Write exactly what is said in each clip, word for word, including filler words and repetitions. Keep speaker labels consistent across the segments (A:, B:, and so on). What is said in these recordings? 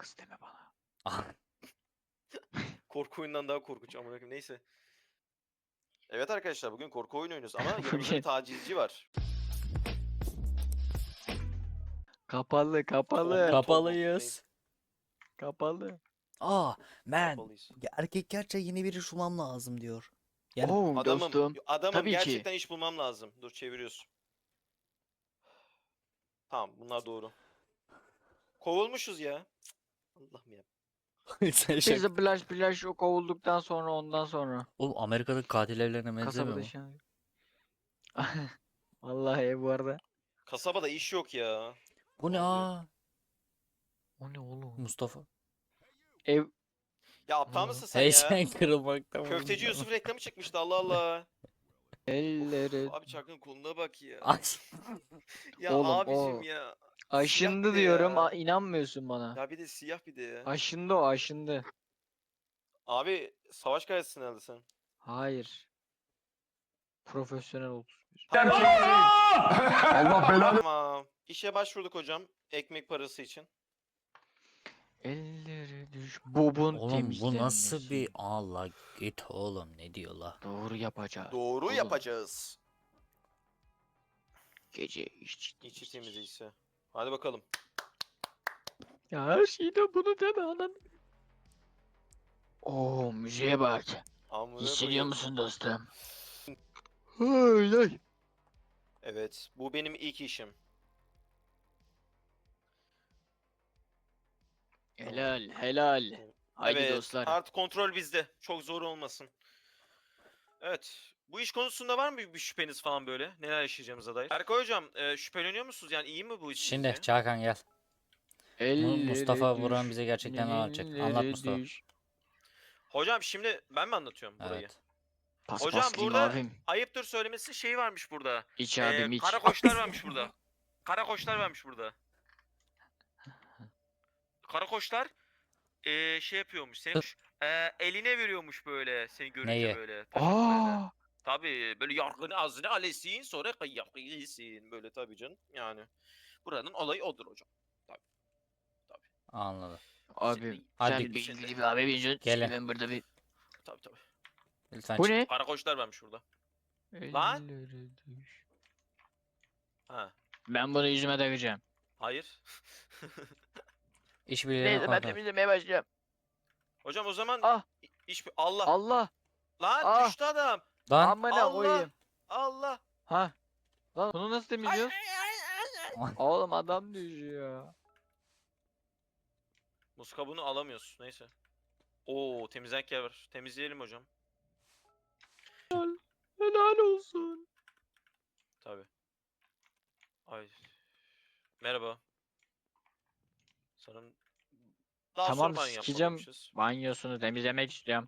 A: kız deme bana.
B: Korku oyundan daha korkunç amına koyayım. Neyse. Evet arkadaşlar bugün korku oyunu oynuyoruz ama yanımızda
A: Bugün-
B: bir tacizci var.
A: Kapalı kapalı.
B: Tombul, tombul.
C: Kapalıyız.
A: Kapalı.
C: Aa, man.
B: Kapalıyız.
C: Ya erkeklerce yeni biri bulmam lazım diyor. Yani
A: Oo
B: Adamım,
A: dostum.
B: adamım
A: Tabii ki.
B: gerçekten iş bulmam lazım. Dur çeviriyoruz. Tamam bunlar doğru. Kovulmuşuz ya. Cık, Allah'ım ya.
C: sen
A: Biz
C: şaka.
A: de Blaş Blaş o kovulduktan sonra ondan sonra.
C: Oğlum Amerika'daki katil evlerine benzemiyor
A: Kasabada
C: mu?
A: şan. Vallahi bu arada.
B: Kasabada iş yok ya.
C: Bu ne
B: Ne oluyor?
C: aa?
A: O ne oğlum?
C: Mustafa.
A: Ev.
B: Ya aptal
A: Aa.
B: mısın sen ya?
C: Heyecan kırılmakta.
B: Köfteci Yusuf reklamı çıkmıştı Allah Allah.
A: Elleri.
B: Of, abi Çakın koluna bak ya.
C: Ay.
B: Ya
A: Oğlum,
B: abicim
A: o-
B: ya.
A: Aşındı
B: Siyah bir de
A: diyorum.
B: ya.
A: a- inanmıyorsun bana.
B: Ya bir de siyah bir de ya.
A: Aşındı o aşındı.
B: Abi savaş gazetesi herhalde sen.
A: Hayır. Profesyonel otuz bir.
D: Allah belanı.
B: Tamam. İşe başvurduk hocam. Ekmek parası için.
A: Elleri düş. Bobun
C: Oğlum bu nasıl bir
A: temizlenmesi.
C: Allah git oğlum ne diyor la?
A: Doğru yapacağız.
B: Doğru
A: Oğlum,
B: yapacağız.
A: Gece işçi.
B: İçi temiz ise. Hadi bakalım.
A: Ya her şeyde bunu deme anan. Oo müziğe bak.
B: Amına
A: Hissediyor
B: koyayım.
A: musun dostum? Ay ay.
B: Evet. Bu benim ilk işim.
A: Helal helal. Haydi
B: evet.
A: dostlar.
B: Artık kontrol bizde. Çok zor olmasın. Evet. Bu iş konusunda var mı bir, bir şüpheniz falan böyle? Neler yaşayacağımıza dair? Erkay hocam e, şüpheleniyor musunuz? Yani iyi mi bu iş
C: Şimdi
B: sizce?
C: Çakan gel. Mu-
A: Elleri
C: Mustafa
A: düş,
C: Vuran bize gerçekten ne anlatacak?
A: elleri
C: Anlat Mustafa.
A: düş.
B: Hocam şimdi ben mi anlatıyorum burayı?
C: Evet.
A: Pas
B: Hocam
A: pas diyeyim
B: burada
A: abim.
B: ayıptır söylemesi şey varmış burada.
A: İç
B: Ee,
A: abim iç.
B: Karakoçlar varmış burada. Karakoçlar varmış burada. Karakoçlar ee, şey yapıyormuş. Senin ee, eline veriyormuş böyle seni görünce
C: Neyi?
B: böyle. Taşaklarını.
A: Aa,
B: Tabii böyle yargını ağzını alesin sonra kıyak yesin böyle tabii canım yani. Buranın olayı odur hocam.
C: Anladım.
A: abim
B: Şimdi-
A: sen
C: Hadi.
A: benim gibi bir abi benziyorsun.
C: Gelin.
A: Şimdi ben burada bir...
B: Tabii tabii.
C: Lütfen
A: Bu
C: çık.
A: ne?
B: Karakoçlar varmış burada. Lan?
A: Elleri düş.
B: Ha.
A: Ben bunu yüzüme takacağım.
B: Hayır.
C: İşbirliğine
A: Neyse ben
C: kontrol.
A: temizlemeye başlayacağım.
B: Hocam o zaman
A: Ah
B: iş Allah.
A: Allah.
B: Lan
A: Ah.
B: düştü adam.
C: Lan.
A: Amına
B: Allah.
A: koyayım.
B: Allah.
A: Ha. Lan bunu nasıl temizliyoruz?
C: Ay.
A: Oğlum adam düşüyor.
B: Muz kabuğunu alamıyoruz. Neyse. Oo temizlenk yer var. Temizleyelim hocam.
A: Helal olsun.
B: Tabii. Ay. Merhaba. Sanırım daha
A: Tamam,
B: sonra banyo
A: sikeceğim.
B: yapmalıymışız.
A: Banyosunu temizlemek istiyorum.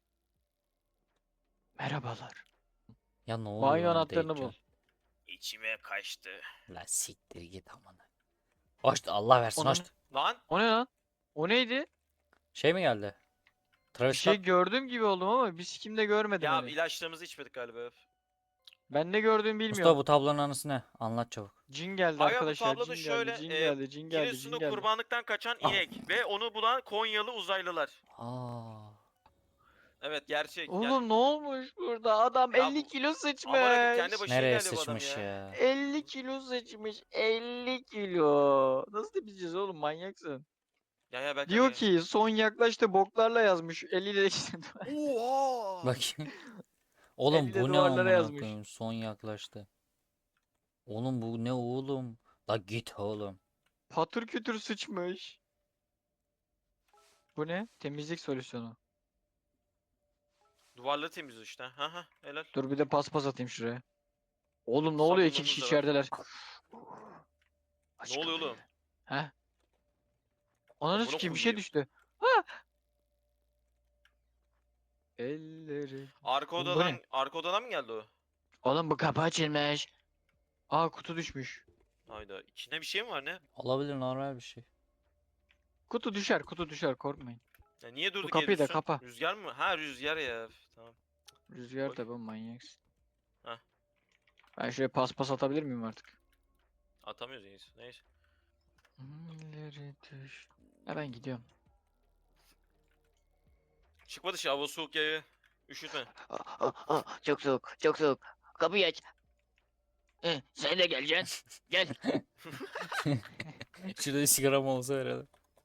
A: Merhabalar.
C: Ya ne oluyor?
A: Banyo
C: lan
A: anahtarını bul.
C: Deccal?
B: İçime kaçtı.
C: La siktir git amına. Hoş Allah versin
A: Onun-
C: hoş.
B: Lan
A: O ne lan? O neydi?
C: Şey mi geldi?
A: Bir
C: Travis
A: şey
C: Scott.
A: gördüm gibi oldum ama bir sikimde görmedim
B: ya
A: hani.
B: ilaçlarımızı içmedik galiba.
A: Ben ne gördüğümü
C: Mustafa
A: bilmiyorum.
C: bu tablonun anısı ne? Anlat çabuk.
A: Cin geldi
B: Aga bu
A: arkadaşlar.
B: tabloda
A: Cin
B: şöyle
A: geldi, cin
B: e,
A: geldi, cin geldi, cin
B: Giresun'da
A: geldi.
B: kurbanlıktan kaçan
C: Ah.
B: inek ve onu bulan Konyalı uzaylılar.
C: Aa.
B: Evet gerçek. Ger-
A: Oğlum ne olmuş burada? Adam
B: Ya
A: elli
B: bu-
A: kilo sıçmış.
B: Aman akım kendi başına
C: Nereye
B: geldi bu adam
C: sıçmış
B: ya.
C: ya?
A: elli kilo sıçmış. elli kilo. Nasıl temizleyeceğiz oğlum, manyaksın.
B: Ya ya belki
A: Diyor
B: aga-
A: ki son yaklaştı boklarla yazmış. Eliyle işte.
B: Oha!
C: Bakayım. Oğlum
A: Elle
C: bu ne
A: duvarlara
C: amına
A: yazmış.
C: koyayım? Son yaklaştı. Oğlum bu ne oğlum? La git oğlum.
A: Patır kütür sıçmış. Bu ne? Temizlik solüsyonu.
B: Duvarları temizliyor işte. Ha ha helal.
A: Dur bir de paspas atayım şuraya. Oğlum ne oluyor? İki
B: Sabunlarımız
A: kişi
B: da var.
A: içerideler. Aç
B: Ne oluyor
A: kapıyı.
B: oğlum?
A: He? Ananı
B: Amına
A: sikeyim, bir şey
B: koyayım.
A: düştü. Ha! Elleri.
B: Arka
A: Bu- bu
B: odadan
A: ne?
B: arka odadan mı geldi o?
A: Oğlum bu kapı açılmış. Aa kutu düşmüş.
B: Hayda. İçinde bir şey mi var ne?
C: Olabilir normal bir şey.
A: Kutu düşer, kutu düşer, korkmayın.
B: Ya niye durduk
A: kapıyı da
B: yere
A: kapa.
B: Rüzgar mı? Ha rüzgar ya. Üf, Tamam.
A: Rüzgar
B: Koy.
A: tabi, manyaksın.
B: Heh.
A: Ben şuraya paspas atabilir miyim artık?
B: Atamıyoruz neyse. Neyse.
A: Elleri düş. Ya ben gidiyorum.
B: Çıkma dışı hava soğuk ya. Üşütme.
A: Ah, ah, ah, çok soğuk, çok soğuk. Kapıyı aç. Eh, sen de geleceksin. Gel.
C: Şurada bir sigaram olsa herhalde.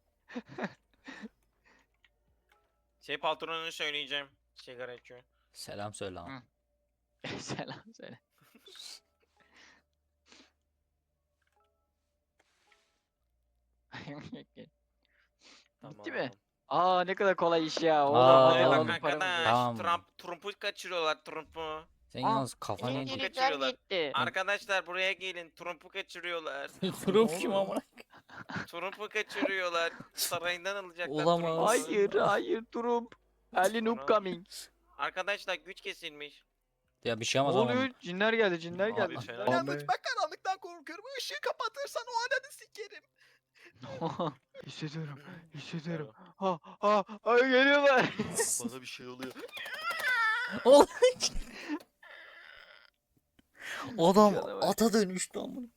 B: Şey patronunu söyleyeceğim. Sigara içiyor.
C: Selam söyle ama.
A: Hı. Selam söyle. Bitti mi?
B: Tamam.
A: Aa ne kadar kolay iş ya. Oğlum
C: Aa,
A: hadi
B: Ee, bak
A: alalım paramızı.
B: arkadaş.
C: Tamam.
B: Trump, Trump'u kaçırıyorlar Trump'u.
C: Senin
A: Aa,
C: yalnız kafanı
B: Trump'u
C: yedik.
A: Elektrikler
B: kaçırıyorlar.
A: gitti.
B: Arkadaşlar buraya gelin. Trump'u kaçırıyorlar.
C: Trump kim amına?
B: Trump'u kaçırıyorlar. Sarayından alacaklar
C: Olamaz.
B: Trump'u.
A: Hayır hayır Trump. Ali Noob
B: Sonra-
A: coming.
B: Arkadaşlar güç kesilmiş.
C: Ya bir şey
A: Ne
C: olmaz ama.
A: oluyor? Cinler geldi cinler
C: Abi,
A: geldi.
B: fena.
A: Abi.
B: ben karanlıktan korkuyorum. Işığı kapatırsan o ananı sikerim.
A: hissediyorum hissediyorum. Ha ha ha geliyorlar.
B: Bana bir şey oluyor.
C: Oğlum, Adam
A: Canavar.
C: ata dönüştü amına.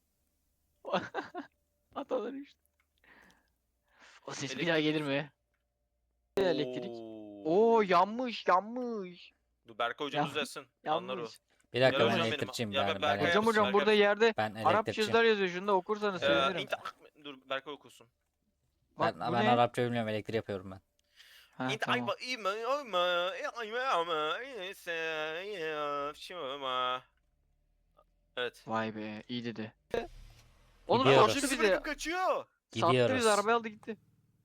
A: Atalar işte. O ses bir daha gelir mi? Elektrik. Oo yanmış yanmış.
B: Dur Berkay hocamız
A: Ya-
B: yazsın. Anlar o.
A: Yanmış.
C: Bir dakika
B: Gel
C: ben
B: hocam benim.
C: elektrikçiyim
B: Ya
C: ben.
B: ben
C: Ben,
B: Berkay
A: Hocam
B: yapsın,
A: hocam
B: Berkay
A: burada
B: yapsın.
A: yerde
C: ben
A: Arapça
C: elektrikçiyim.
A: yazılar yazıyor. Şunu da okursanız
B: Ee,
A: sevinirim.
B: inta- Dur Berkay okusun.
A: Bak
C: Ben,
A: bu
C: ben
A: ne?
C: Arapça bilmiyorum, elektrik yapıyorum ben.
A: Ha,
B: İnta-
A: tamam.
B: Ayba- İma- Ama- Ayma- Ama- İyse- Ya- Şuma. Evet.
A: Vay be iyi dedi. Oğlum
C: Gidiyoruz.
A: sattı
B: Kaçtı
A: bizi.
B: bırakıp kaçıyor.
A: Sattı
C: Gidiyoruz.
A: bizi arabayı aldı gitti.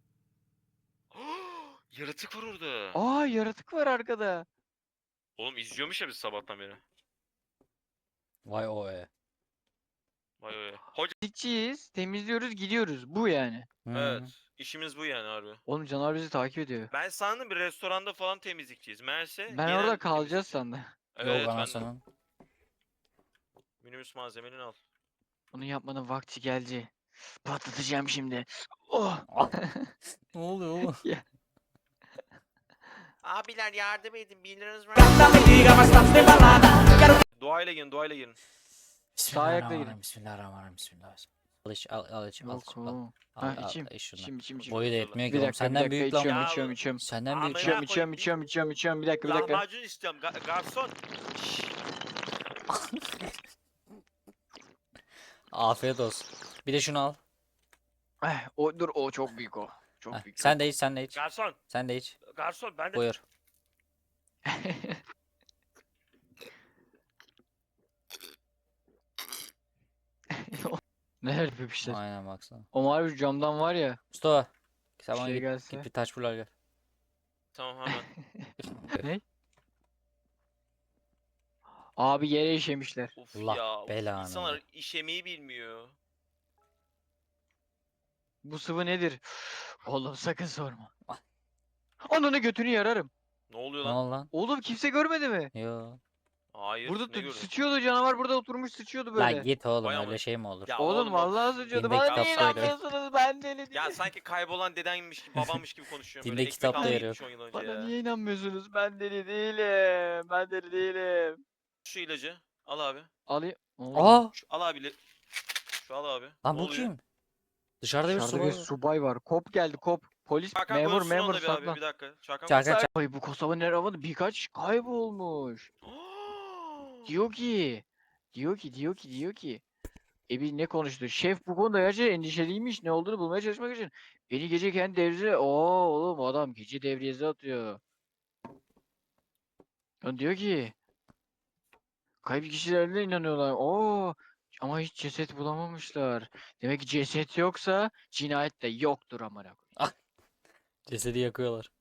B: Yaratık var orada.
A: Aa yaratık var arkada.
B: Oğlum izliyormuş ya biz sabahtan beri.
C: Vay o e.
B: Vay vay. Hoca.
A: Gideceğiz, temizliyoruz, gidiyoruz. Bu yani.
C: Hmm.
B: Evet. İşimiz bu yani harbi.
A: Oğlum canavar bizi takip ediyor.
B: Ben sandım bir restoranda falan temizlikçiyiz. Meğerse
A: Ben
B: genel
A: orada kalacağız
B: temizlikçi.
A: sandım.
B: Evet
C: Yok
B: ben
C: anasının.
B: minibüs malzemeni al.
A: Bunu yapmanın vakti geldi. Patlatacağım şimdi. Oh.
C: Ne oluyor oğlum?
B: Abiler yardım edin. bir liranız var. Doğayla gelin, doğayla gelin.
C: Bismillahirrahmanirrahim. Bismillahirrahmanirrahim. Bismillahirrahmanirrahim. Al iç al al iç al
A: Yok
C: iç al.
A: o.
C: Al,
A: Ha
C: al,
A: içeyim.
C: iç şundan.
A: İçeyim içeyim içeyim.
C: Boyu da yetmiyor ki
A: Bir
C: oğlum.
A: dakika bir
C: Senden
A: dakika
C: büyük lan
A: içiyorum
C: bu.
B: Ya-
A: içiyorum içiyorum.
C: Senden büyük.
B: Amına
A: İçiyorum
B: koyayım,
A: içiyorum
B: bir-
A: içiyorum içiyorum içiyorum bir dakika bir dakika.
B: Lahmacun istiyorum. Ga- garson. Şşş.
C: Afiyet olsun. Bir de şunu al.
A: Eh, o dur o çok büyük o. Çok
C: Heh,
A: büyük.
C: sen de iç sen de iç.
B: Garson.
C: Sen de iç.
B: Garson ben de.
C: Buyur.
A: Neler yapmışlar?
C: Aynen baksana.
A: O mavi camdan var ya.
C: Mustafa. Sen
A: Bir
C: bana
A: şey
C: git,
A: gelse.
C: git bir taş bul al gel.
B: Tamam hemen.
A: Ne? Abi yere işemişler.
B: Of
C: Allah
B: ya. Of,
C: belanı
B: insanlar
C: ver.
B: işemeyi bilmiyor.
A: Bu sıvı nedir? Oğlum sakın sorma. Ananı götünü yararım.
B: Ne oluyor
C: Ne
B: lan?
C: oldu lan?
A: Oğlum kimse görmedi mi?
C: Yo.
B: Hayır.
A: Burada
B: ne
A: da
B: gördün?
A: sıçıyordu canavar burada oturmuş sıçıyordu böyle.
C: Lan git oğlum
B: Vay
C: öyle
B: amına.
C: şey mi olur?
B: Ya
A: Oğlum
B: o-
A: vallahi sıçıyordu.
C: Dinde
A: Bana niye
C: kitapta yarıyor.
A: inanmıyorsunuz? Ben deli değilim.
B: Ya sanki kaybolan dedenmiş gibi, babammış gibi konuşuyorum.
C: Dinde
B: Böyle ekmek
C: kitapta
B: almaya
C: yarıyor.
B: gitmiş on yıl önce
A: Bana
B: ya.
A: niye inanmıyorsunuz? Ben deli değilim. Ben deli değilim.
B: Şu ilacı. Al abi.
A: Alayım. Oğlum,
C: Aa!
B: Şu, al abi. Şu al abi.
C: Lan
B: Ne
C: bu
B: oluyor?
C: kim? Dışarıda bir
A: Dışarıda
C: subay
A: bir
C: var.
A: subay var. Kop geldi kop. Polis
B: Çakan
A: memur
B: konuşsun
A: memur
B: onunla bir abi.
A: saklan.
B: Bir dakika. Çakan
C: Çakan çak.
A: Ay bu Kosova Nerava'da birkaç kaybolmuş.
B: konuşsun.
A: Diyor ki. Diyor ki diyor ki diyor ki. E biz ne konuştu? Şef bu konuda gerçekten endişeliymiş. Ne olduğunu bulmaya çalışmak için. Beni gece kendi devreye... Oo oğlum adam gece devriyesi atıyor. Ya diyor ki. Kayıp kişilerine inanıyorlar. Oo ama hiç ceset bulamamışlar. Demek ki ceset yoksa cinayet de yoktur amına koyayım.
C: Cesedi yakıyorlar.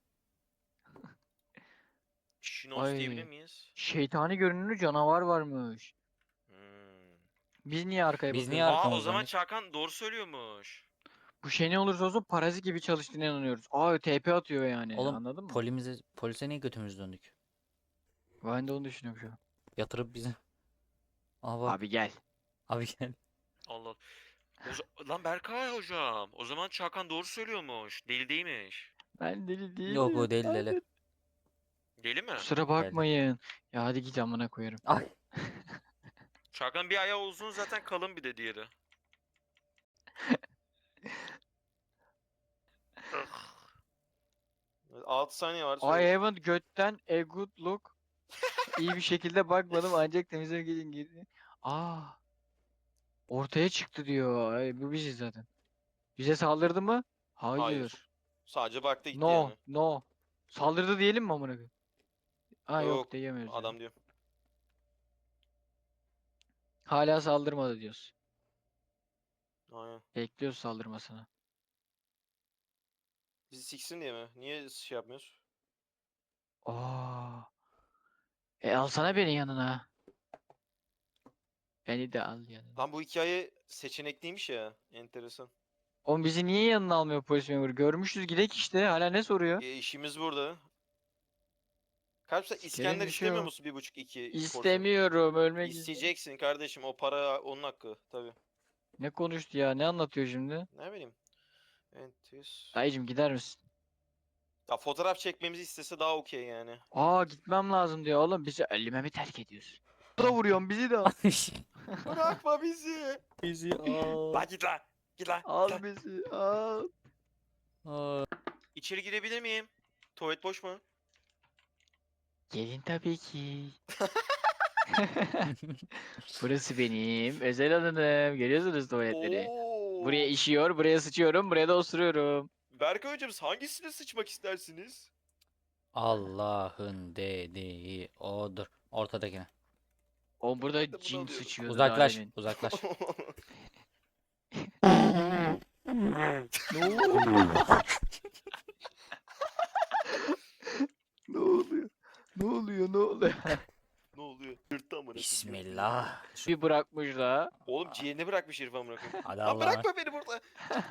B: Şinos
A: Ay.
B: diyebilir miyiz?
A: Şeytani görünümlü canavar varmış.
B: Hmm.
A: Biz niye arkaya
C: Biz
A: bakıyoruz?
C: niye
B: Aa o
C: arkamızdan
B: zaman
C: hiç?
B: Çakan doğru söylüyormuş.
A: Bu şey ne olursa olsun parazit gibi çalıştığına inanıyoruz. Aa T P atıyor yani.
C: Oğlum
A: Anladın mı?
C: polimize, polise niye götümüz döndük?
A: Ben de onu düşünüyorum şu an.
C: Yatırıp bizi. Aa bak.
A: Abi gel.
C: Abi gel.
B: Allah. O za- Lan Berkay hocam. O zaman Çakan doğru söylüyormuş. Deli değilmiş.
A: Ben deli değilim.
C: Yok o değil
A: ben
C: deli.
A: de-
B: Deli mi?
A: Kusura bakmayın. Ya hadi git amına koyarım.
C: Ay.
B: Çakan bir ayağı uzun zaten kalın bir de diğeri. altı saniye var.
A: I
B: söyle.
A: haven't götten a good look. İyi bir şekilde bakmadım ancak temizlemek için girdi. Aa, ortaya çıktı diyor. Ay, bu biziz zaten. Bize saldırdı mı?
B: Hayır.
A: Hayır.
B: Sadece baktı gitti
A: No,
B: yani.
A: no. Saldırdı diyelim mi amına koyayım? Ha yok,
B: Yok,
A: diyemiyoruz. yani.
B: Adam diyor.
A: Hala saldırmadı diyoruz.
B: Aynen.
A: Bekliyoruz saldırmasını.
B: Bizi siksin diye mi? Niye şey yapmıyoruz?
A: Aa. E alsana beni yanına. Beni de al yanına.
B: Lan bu hikaye seçenekliymiş ya. Enteresan.
A: Oğlum bizi niye yanına almıyor polis memuru? Görmüşüz gidek işte. Hala ne soruyor?
B: E, işimiz burada. Kardeşler
A: Sikerim
B: İskender
A: bir şey
B: istemiyor
A: yok.
B: musun bir buçuk iki porsiyon?
A: İstemiyorum ölmek istiyorum.
B: İsteyeceksin kardeşim. O para onun hakkı. Tabii.
A: Ne konuştu ya? Ne anlatıyor şimdi?
B: Ne bileyim. Entis.
A: Dayıcım gider misin?
B: Ya fotoğraf çekmemizi istese daha okey yani.
A: Aa gitmem lazım diyor oğlum. Bizi ölüme mi terk ediyorsun? Da vuruyorsun bizi de al.
B: Bırakma bizi.
C: Bizi al.
B: Lan git lan. Git lan.
A: Al bizi al.
C: Aa,
B: İçeri girebilir miyim? Tuvalet boş mu?
A: Gelin tabii ki. Burası benim özel alanım. Görüyorsunuz tuvaletleri. Buraya
B: Oo.
A: işiyor, buraya sıçıyorum, buraya da osuruyorum.
B: Berkay hocam hangisine sıçmak istersiniz?
C: Allah'ın dediği odur. Ortadakine.
A: O burada
B: Ben de bunu
A: cin
B: alıyorum.
A: sıçıyordu
C: Uzaklaş,
A: daha demin.
C: uzaklaş.
A: Ne oluyor? Ne oluyor? Ne oluyor? Ne oluyor?
B: Ne oluyor? Yırttı amına koyayım.
C: Bismillah. Şu-
A: Bir bırakmış da.
B: Oğlum ciğerini bırakmış herif amına koyayım.
C: Hadi
B: Lan
C: Allah'a
B: bırakma beni burada.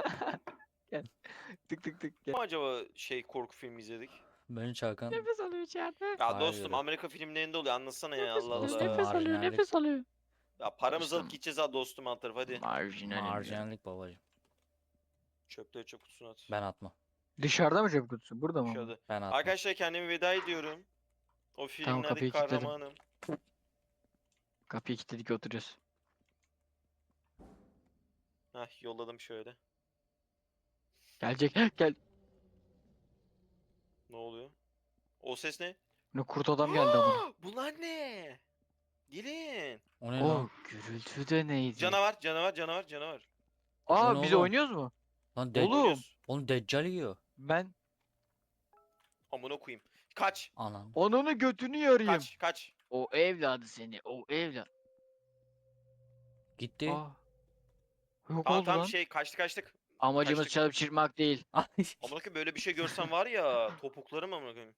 A: Tık tık tık. Gel.
B: Ama acaba şey korku filmi izledik?
C: Ben Çakan.
A: Nefes alıyor içeride.
B: Ya
C: Hayır
B: dostum
C: yürü.
B: Amerika filmlerinde oluyor anlatsana ya
A: Nefes
B: Allah
A: alıyor,
C: Dostum,
B: Allah.
A: nefes alıyor,
C: marjinallik.
A: nefes alıyor.
B: Ya paramızı alıp
A: Dostum.
B: gideceğiz ha dostum alt tarafı hadi.
A: Marjinal.
C: Marjinallik babacım.
B: Çöpleri çöp kutusuna at.
C: Ben atma.
A: Dışarıda mı çöp kutusu? Burada mı?
B: Dışarıda.
C: Ben atma.
B: Arkadaşlar kendimi veda ediyorum. O filmlerdeki
A: kapıyı kilitledim.
B: kahramanım.
A: Kapıyı kilitledik oturuyoruz.
B: Heh yolladım şöyle.
A: Gelecek. Gel.
B: Ne oluyor? O ses ne?
A: Ne kurt adam geldi ama.
B: Bunlar ne? Gelin.
C: O ne
A: O
C: lan?
A: gürültü de neydi?
B: Canavar, canavar, canavar, canavar.
A: Aa
C: O ne
A: biz
C: oğlum?
A: oynuyoruz mu?
C: Lan de
A: Oğlum.
B: Oynuyoruz.
C: Oğlum Deccal yiyor.
A: Ben
B: Amına koyayım. Kaç.
C: Anam.
A: onun götünü yarayım.
B: Kaç, kaç.
A: O evladı seni. O evlat.
C: Gitti.
A: Aa. Yok
B: Tamam
A: oldu
B: tamam
A: lan.
B: şey kaçtık kaçtık.
A: Amacımız
B: kaçtık.
A: çalıp çırpmak değil.
B: Amına koyayım böyle bir şey görsem var ya topuklarım amına koyayım.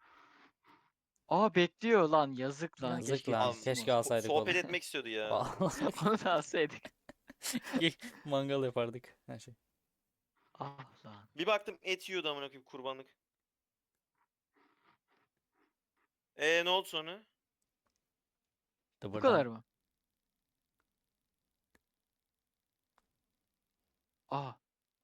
A: Aa bekliyor lan yazık lan.
C: Yazık
A: Keşke
C: lan,
A: alsın
C: keşke
A: onu.
B: So-
C: alsaydık
B: sohbet
C: oğlum.
B: etmek istiyordu ya.
C: Vallahi
A: Onu da alsaydık.
C: mangal yapardık. Her şey.
A: Ah lan.
B: Bir baktım et yiyordu amına koyayım kurbanlık. Ee ne oldu sonra?
A: Bu kadar mı? Aa.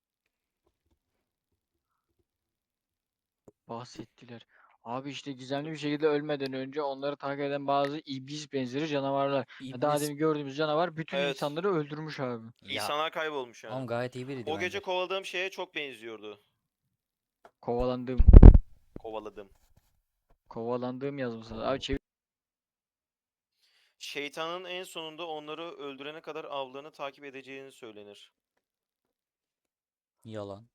A: Bahsettiler. Abi işte gizemli bir şekilde ölmeden önce onları takip eden bazı iblis benzeri canavarlar. Ya Daha
C: İblis.
A: demin gördüğümüz canavar bütün
B: Evet.
A: insanları öldürmüş abi.
C: Ya
B: İnsanlar kaybolmuş yani.
C: oğlum gayet iyi biriydi
B: O
C: bence.
B: gece kovaladığım şeye çok benziyordu.
A: Kovalandığım.
B: Kovaladım.
A: Kovalandığım yazmışlar. Abi çevir.
B: Şeytanın en sonunda onları öldürene kadar avlarını takip edeceğini söylenir.
C: Yalan.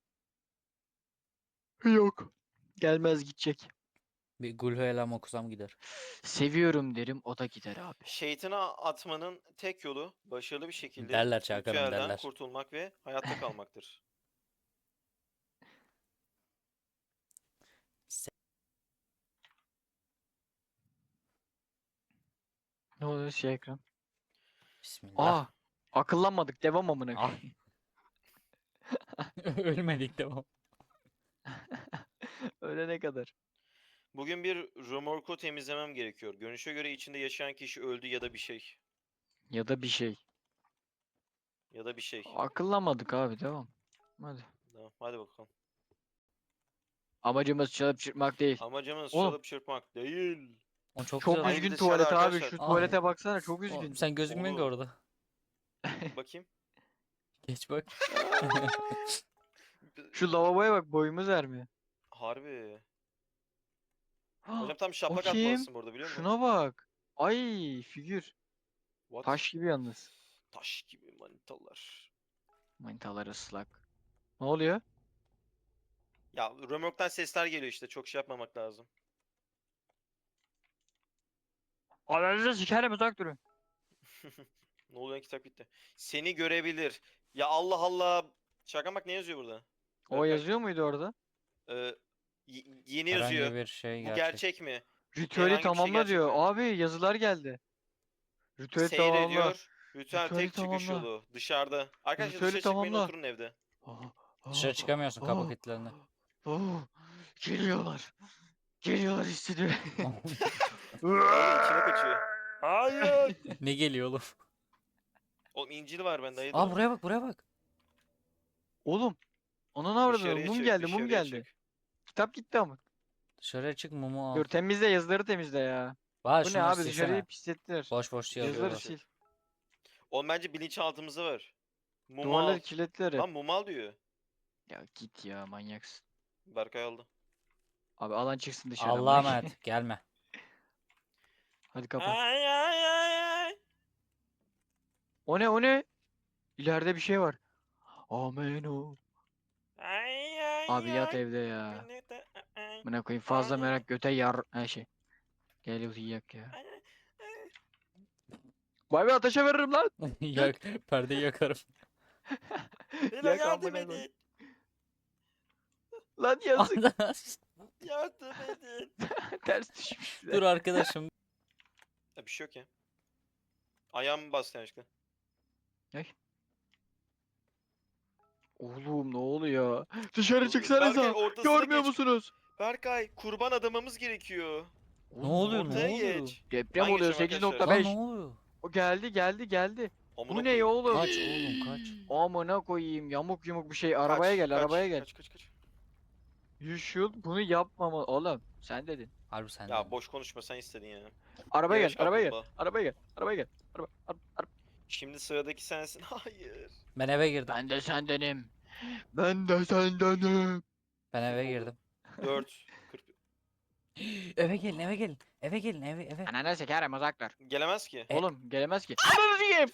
A: Yok. Gelmez gidecek.
C: Bir Gulhelam okusam gider.
A: Seviyorum derim o da gider abi.
B: Şeytana atmanın tek yolu başarılı bir şekilde
C: Derler Çakan'ım,
B: ritüelden
C: derler.
B: kurtulmak ve hayatta kalmaktır.
A: Ne oluyor şey ekran?
C: Bismillah.
A: Aa. Akıllanmadık. Devam amına
C: Ah.
A: koyayım.
C: Ölmedik tamam.
A: Ölene kadar.
B: Bugün bir römorku temizlemem gerekiyor. Görünüşe göre içinde yaşayan kişi öldü ya da bir şey.
A: Ya da bir şey.
B: Ya da bir şey.
A: Akıllanmadık abi devam. Hadi.
B: Tamam, hadi bakalım.
A: Amacımız çalıp çırpmak değil.
B: Amacımız
A: Oğlum.
B: çalıp çırpmak değil.
C: O çok,
A: Çok
C: güzel.
B: Aynı
A: üzgün
B: dışarıda
A: tuvalet abi.
B: arkadaşlar.
A: Şu
C: Ah.
A: tuvalete baksana çok
C: O-
A: üzgün.
C: sen gözükmüyorsun ki
B: Oğlum.
C: orada.
B: Bakayım.
C: Geç bak.
A: Şu lavaboya bak boyumuz ermiyor.
B: Harbi. Hocam tam şaplak
A: Bakayım.
B: atmalısın burada biliyor musun?
A: Şuna bak. Ay figür.
B: What?
A: Taş gibi yalnız.
B: Taş gibi manitalar.
A: Manitalar ıslak. Ne oluyor?
B: Ya römorktan sesler geliyor işte. Çok şey yapmamak lazım.
A: Ananızı sikerim uzak durun.
B: Ne oluyor kitap gitti. Seni görebilir. Ya Allah Allah. Şaka bak ne yazıyor burada?
A: O
B: Berkay.
A: yazıyor muydu orada?
B: Ee, y- yeni
C: Herhangi
B: yazıyor.
C: bir şey
B: Bu
C: gerçek.
B: gerçek mi?
A: Ritüeli
B: Herhangi bir şey
A: tamamla
B: gerçek
A: diyor.
B: mi?
A: Abi yazılar geldi. Ritüeli tamamla.
B: Seyrediyor. Ritüel
A: Ritüeli
B: tek çıkış
A: tamamla.
B: yolu. Dışarıda. Arkadaşlar
A: Ritüeli
B: dışarı çıkmayın
A: tamamla.
B: oturun evde.
C: Dışarı çıkamıyorsun kapı
A: Oh,
C: kilitlerini.
A: oh, geliyorlar. Geliyorlar hissediyorum.
B: Oğlum içine kaçıyor.
A: Hayır.
C: Ne geliyor oğlum?
B: Oğlum İncil var bende hayırdır?
C: Aa buraya bak buraya bak.
A: Oğlum. Ona ne avradın?
B: Dışarıya
A: Mum
B: çık,
A: geldi, mum
B: dışarıya
A: geldi.
B: çık.
A: Kitap gitti ama.
C: Dışarıya çık mumu al.
A: Dur temizle yazıları temizle ya.
C: Var
A: Bu ne
C: şunları
A: abi
C: silsene.
A: dışarıyı pislettiler.
C: Boş boş
B: Yazıları
A: Yazıları
C: yazıyorlar.
A: sil.
B: Oğlum bence bilinçaltımızda var. Mumu
A: Duvarları
B: al.
A: kilitler hep.
B: Lan mumu al diyor.
A: Ya git ya manyaksın.
B: Berkay aldı.
A: Abi alan çıksın dışarı.
C: Allah'a
A: amına
C: emanet gelme.
A: Hadi kapa.
B: Ay ay ay ay.
A: O ne o ne? İleride bir şey var. Amen o.
B: Ay ay
A: Abi yat
B: ay.
A: evde ya.
B: Beni de- ay,
A: Buna koyayım fazla
B: Ay.
A: merak göte yar her şey. Gel uyuyak ya.
B: ay, ay.
A: Bay bay ateşe veririm lan.
C: Yak, perdeyi yakarım.
B: Beyler
A: Yak
B: yardım
A: amına koy.
B: edin.
A: Lan yazık.
B: Yardım edin.
A: Ters düşmüşler.
C: Dur arkadaşım.
B: Ya bir şey yok ya. Ayağımı bastı yanlışlıkla.
A: Oğlum ne oluyor? Dışarı
B: Berkay
A: çıksanıza.
B: ortasına
A: Görmüyor
B: geç.
A: musunuz?
B: Berkay kurban adamamız gerekiyor.
C: Ne oluyor ne
B: Ortaya
C: oluyor?
B: geç.
A: Deprem
B: Ben
A: oluyor
B: geçiyorum
A: sekiz
B: arkadaşlar.
A: nokta
C: Lan
A: beş.
C: ne oluyor?
A: O geldi geldi geldi.
B: Amına
A: Bu ne
B: koyayım.
A: oğlum?
C: Kaç oğlum kaç.
A: Amına koyayım yamuk yumuk bir şey.
B: Kaç,
A: Arabaya gel
B: kaç,
A: arabaya gel.
B: Kaç kaç kaç.
A: You should bunu yapmama oğlum. Sen dedin.
C: Harbi sen
B: Ya
C: de.
B: boş konuşma sen istedin ya.
A: Arabaya
B: Yavaş
A: gel arabaya gel.
B: kaplumbağa.
A: Arabaya gel. Arabaya gel. Araba, araba, araba.
B: Şimdi sıradaki sensin. Hayır.
C: Ben eve girdim.
A: Ben de sendenim. Ben de sendenim.
C: Ben eve girdim.
B: dört. kırk.
C: Eve gelin eve gelin. Eve gelin eve eve.
A: Ananı sikerim uzaklar.
B: Gelemez ki.
C: E-
A: Oğlum gelemez ki. Ananı sikeyim.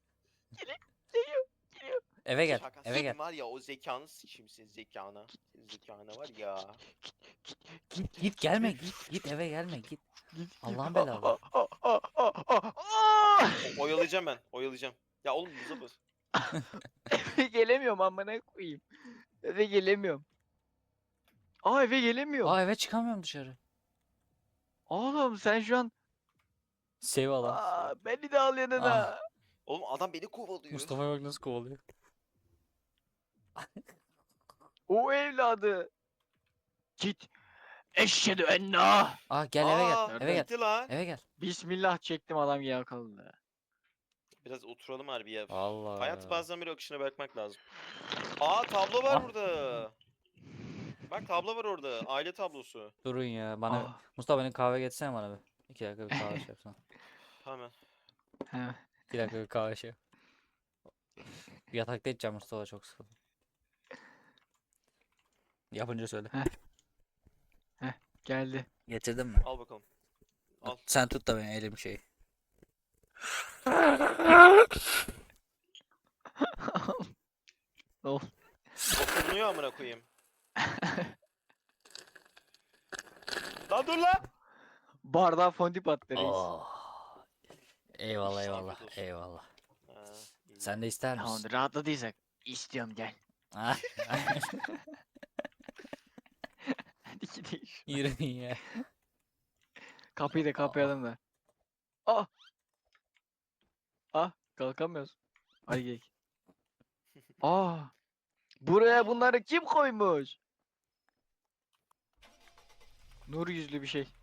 C: Eve gel.
B: Şaka.
C: Eve
B: Senin
C: gel.
B: var ya o zekanı sıçayım senin zekana. Senin zekana var ya.
C: Git git gelme git git eve gelme git. Allah'ın
A: Aa,
C: belalı.
A: aa, aa, aa, aa, aa.
B: O- oyalayacağım ben. Oyalayacağım. Ya oğlum buza bas.
A: Gelemiyorum amına koyayım. Eve gelemiyorum. Aa eve gelemiyorum.
C: Aa eve çıkamıyorum dışarı.
A: Oğlum sen şu an
C: Save alan.
A: aa, beni de al yanına.
C: Ah.
B: Oğlum adam beni kovalıyor.
C: Mustafa'ya bak nasıl kovalıyor.
A: O evladı. Git. Eşhedü ennâ.
C: Aa gel eve
B: Aa,
C: gel. Eve gel.
B: gitti lan.
C: Eve gel.
A: Bismillah çektim adam yakaladı.
B: Biraz oturalım harbi ya.
C: Allah.
B: Hayat bazen bir akışına bırakmak lazım. Aa tablo var
C: Ah.
B: burada. Bak tablo var orada. Aile tablosu.
C: Durun ya bana.
A: Ah.
C: Mustafa benim kahve getirsene bana bir. İki dakika bir kahve şey yapsana.
B: Hemen.
A: He.
C: İki dakika bir kahve şey. yap. Yatakta içeceğim Mustafa çok sıkıldım. Yapınca söyle.
A: Geldi.
C: Getirdin mi?
B: Al bakalım. Al.
C: Sen tut da ben elim şey.
A: Ne oldu?
B: Dokunuyor amına koyayım. Lan dur lan.
A: Bardağa fondip attı reis.
C: Oh. Eyvallah
B: Afiyet
C: eyvallah
B: olsun.
C: eyvallah.
B: Ha, iyi.
C: Sen de ister misin?
A: Tamamdır rahatladıysak. İstiyorum gel.
C: Ah.
A: Hadi gidelim.
C: Yürü ya.
A: Kapıyı da kapayalım da. Ah. Ah kalkamıyoruz. Hadi gel. Ah. Buraya bunları kim koymuş? Nur yüzlü bir şey.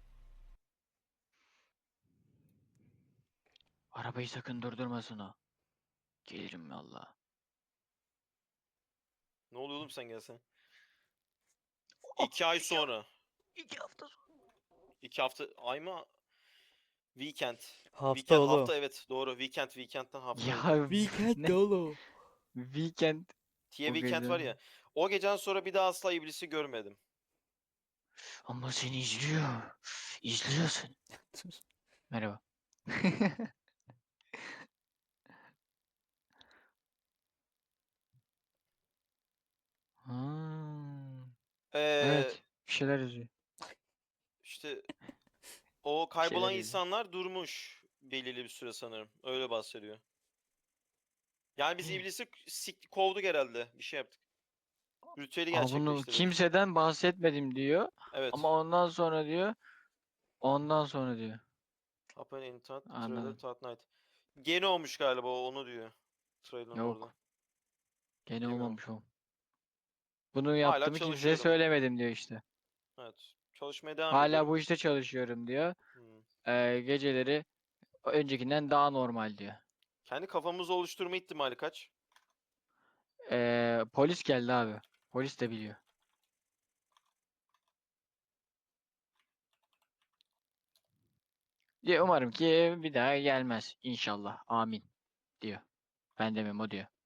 A: Arabayı sakın durdurmasın o. Gelirim valla.
B: Ne oluyor oğlum sen gelsen? İki ay sonra.
A: İki hafta sonra.
B: İki hafta. Ay mı? Weekend.
C: Hafta
B: Weekend
C: oğlum.
B: hafta evet doğru. Weekend weekend'den hafta.
A: Ya
C: Weekend
A: ne?
C: oğlum.
A: Weekend.
B: Tiye
A: o
B: weekend var
A: gece.
B: ya. O geceden sonra bir daha asla iblisi görmedim.
A: Ama seni izliyor. İzliyorsun.
C: Dur.
A: Merhaba. Hmm,
B: Ee,
A: evet. Bir şeyler yazıyor.
B: işte o
A: Bir şeyler
B: kaybolan
A: yazıyor.
B: insanlar durmuş belirli bir süre sanırım. Öyle bahsediyor. Yani biz iblisi sik kovduk herhalde. Bir şey yaptık. Ritüeli
A: Ama bunu
B: gerçekleştirdik.
A: kimseden bahsetmedim diyor.
B: Evet.
A: Ama ondan sonra diyor. Ondan sonra diyor.
B: Happen in Tat, Trailer,
A: Anladım.
B: Tat Night. Gene olmuş galiba o, onu diyor. Trailer'ın orada.
A: Yok. Gene
B: Bilemiyorum.
A: olmamış o. Bunu
B: Hala
A: yaptığımı kimseye
B: çalışıyorum.
A: söylemedim diyor işte.
B: Evet. Çalışmaya devam
A: Hala
B: ediyorum.
A: bu işte çalışıyorum diyor.
B: Hmm.
A: Ee, geceleri öncekinden daha normal diyor.
B: Kendi kafamızı oluşturma ihtimali kaç?
A: Ee, polis geldi abi. Polis de biliyor. Diye umarım ki bir daha gelmez. İnşallah. Amin diyor. Ben demem o diyor.